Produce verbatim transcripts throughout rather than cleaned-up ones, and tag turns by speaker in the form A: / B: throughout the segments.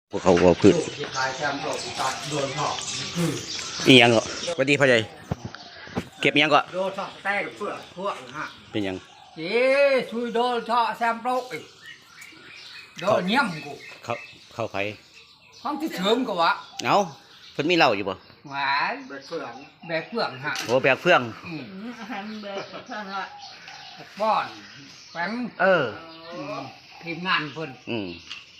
A: พวกเขาว่าพืชอีหยังก็สวัสดีพ่อใหญ่เก็บอีหยังก็
B: โดนชอบแต่เพื่อพวกฮะ
A: เป็นหยัง
B: เจ๊ช่วยโดนชอบแซมโปรอีกโดนเงี้ยมกู
A: เขาเข้าไผ
B: ห้องที่เสริมกูวะ
A: เอ้าเพิ่นมีเหล้าอยู่บ่
B: หวานแบกเฟืองแบกเฟืองฮะ
A: โอ้แบกเฟือง
B: อืมป้อนแฝง
A: เออ
B: อืมทีมงานเพิ่น
A: อืม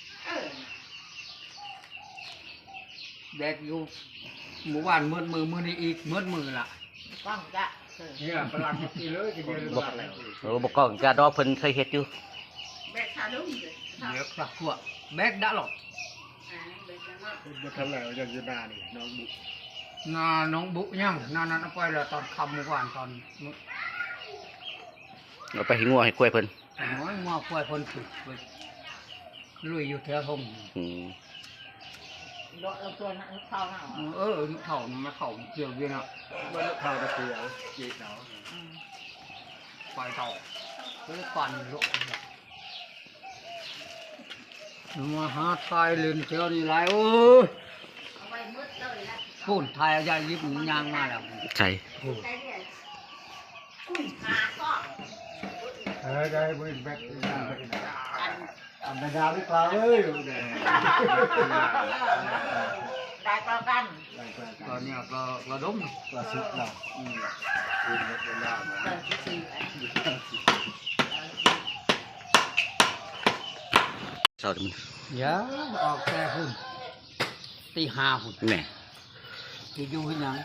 B: แบกอยู่หมู่บ้านมืดมือมือนี่อีกมืดมือละ
C: ฟังจ้ะ
B: เนี่ยพลังกินเลยกินเยอะ
A: บ่โอ้บ่กล้องกะดอกเพิ่นเคยเฮ็ดอยู่
C: แบกชาลุ่มเลย
B: เดี๋ยวสักพวกแบกได้หรอก
C: อ่าแบกจังว่า
D: มาทำแล้วยังจะนานี่น้องบุ
B: นาน้องบุยังนานั้นเอาไปแล้วตอนคำเมื่อวานตอนมื้อ
A: เอาไปให้งัวให้กล้วยเพิ่น
B: น้อยมาป่วยคนฝึกไปลุยอยู่แถวห้อง
A: อืม
C: โดนเอาตัวนั้นเข้าหน้า
B: เออเข่ามาเข่าเกี่ยวเวียนอ่ะ
D: บ้านข้าวตะเกียบจีเนาะ
B: ไฟเต่าเพื่อปั่นลุกมาหาทายเล่นเที่ยวนี่ไรโอ้ย
C: เอาไว้มืดเลยละ
B: พูดทายยายยิบยางมาแล้ว
A: ใช่
C: ใช่เนี่ยหาก็
D: เฮ้ยได้บริแบก
C: อัน
D: อันดาไม่กล้าเลยเด้
C: ได้ก็กัน
B: ตอนนี้ก็ระดม
D: กระสุนเราอืมคือเวลามา
C: เดินสี่
A: เช้าเดี๋ยวมัน
B: เยอะออกแต่หุ่นตีห้าหุ่น
A: แหน่
B: ที่อยู่ที่ยัง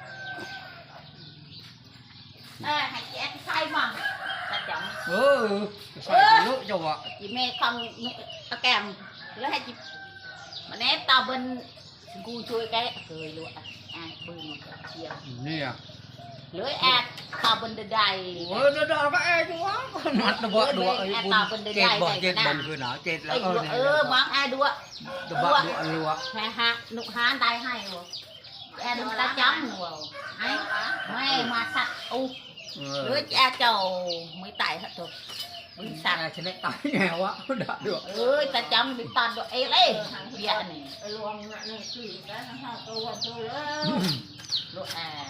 C: เออให้แกใส่มั่งตัดจัง
B: เออใส่เยอะจังวะ
C: จีเมย์คำตะแกมแล้วให้จีมันเนตตาเบิ้ลกูช่วยแกเคยรู้อ่ะอ่ะปืนเชียว
B: นี่อ่ะ
C: หรือแอดตาเบิ้ลใด
B: โอ้ยเดี๋ยวก็เอ๊ะจังวะนัดตัวบ่ดัวไอ้บุญเจ็ดบ่เจ็ดบ่คือหนาเจ็ดแล้
C: ไอ้
B: ว
C: ดัวเออมังไอ้ดัว
B: ตัวบ่ดัวรัว
C: แม่ฮะนุกฮานได้ให้วะแอดมันตาจังวะไอ้ไม่มาสัตว์อุ
B: เอ
C: ห
B: อ
C: รือแอดเจ้าไม่ตายฮะถูกมึงสัตว์
B: ฉันได้ตายแน่วะด่าด้วย
C: เอ้ยตาจังดิตาดเอ้เลยเบียนี่รวมนี่คือแล้วนะตัวตัวเลยลูกแอด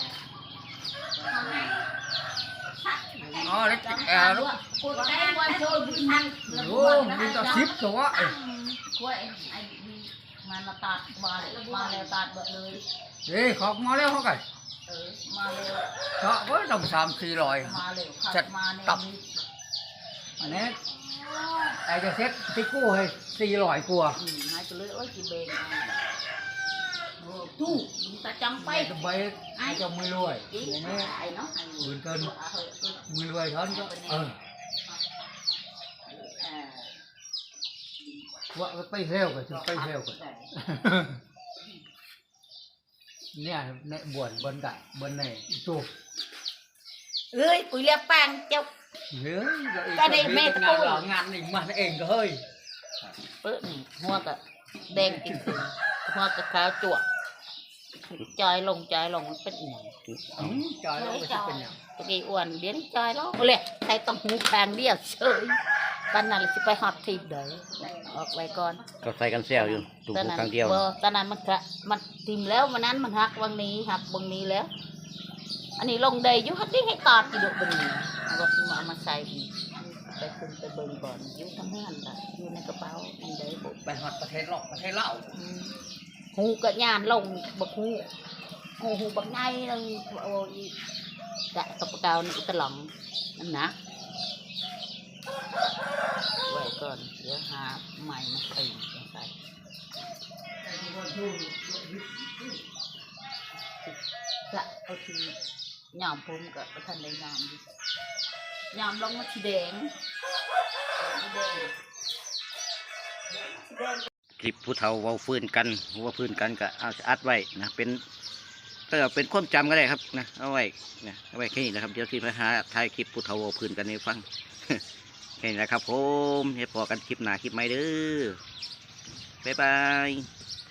B: อ๋อแล้วแอร์ลูก
C: กูได้วันโชว์บินทัน
B: โอ้มีตาชิปตัวไอ้
C: กล้วยไอ้มันมาตัดมามาแล้วตัดเบิดเลย
B: เฮ้ยขอกมาแล้วเขาไก่
C: เออมาเร็ว
B: ก็ก็ต้องสามสี่ร้อย
C: มาเร็ว
B: จัด
C: มาเร็ว
B: ตับอันนี้ไอ้จะเซ็ตติ๊กกู้ให้สี่ร้อยกว่า
C: อืมให้ก็เลยโอ้ยจีเบงโอ้ตู้ตาจังไป
B: ไปจะไปไอ้จะมือรวย
C: อี
B: อย่างนี้
C: ไอ้เนาะ
B: หมื่นเกินมือรวยเท่านั้นก็เออว่าไปเที่ยวกันจะไปเที่ยวกันเนี่ยในบวนบนไก่บนไหนจูบ
C: เอ้ยกูเรียกแป้งเจ้า
B: เฮ้ย
C: ก็ได้เมตตา
B: งานหลังงานนี่มันเองก็เฮ้ย
C: เปิ้ลหัวกะแดงกินถึงหัวกะขาวจั่วจอยลงจอยลงมันเป็นอย่าง
B: อืมจอยแล้วก็จะเป็นอย่าง
C: ตะกี้อ้วนเลี้ยงจอยแล้วเลยใส่ต้องหูแพงเดียวเฉยตอนนั้นเราจะไปฮอตทีเด้อออกไว้ก่อน
A: ก็ใส่กันแซวอยู่ตุ่ม
C: ตอน
A: หู
C: นั้น
A: ครั้งเดียว
C: บ่ตอนนั้นมันกะมันทิมแล้ววันนั้นมันหักวันนี้หักวันนี้แล้ว อันนี้ลงเดยยุหัดดิ้งให้ตอดกี่ดอกบึงเอาก็มามาใส่ไปขึ้นไปเบิ่งก่อนอยุ่ทำงานละอยู่ในกระเป๋ามันเดยบุ
B: ไปฮอตประเทศหลอกประเทศเล่า
C: หูกะยานลงบักหูหูหูบักไงนึงโอ้ยกะตบกาวนี่ตะหลองนั่นนะไว้ก่อนเดี๋ยวหาใหม่มาใส่ใส่กะเอาทียอมผมกะประทันได้ยอมดิยอมลงมาทีแดงสีแดงสีแดง
A: คลิปผู้เฒ่าเว้าฟื้นกันว่าฟื้นกันก็เอาอัดไว้นะเป็นก็เป็นความจำก็ได้ครับนะเอาไว้นะเอาไว้แค่นี้นะครับเดี๋ยวที่ไปหาถ่ายคลิปผู้เฒ่าเว้าฟื้นกันให้ฟัง แค่นี้นะครับผมให้พอกันคลิปหน้าคลิปใหม่เด้อบ๊ายบาย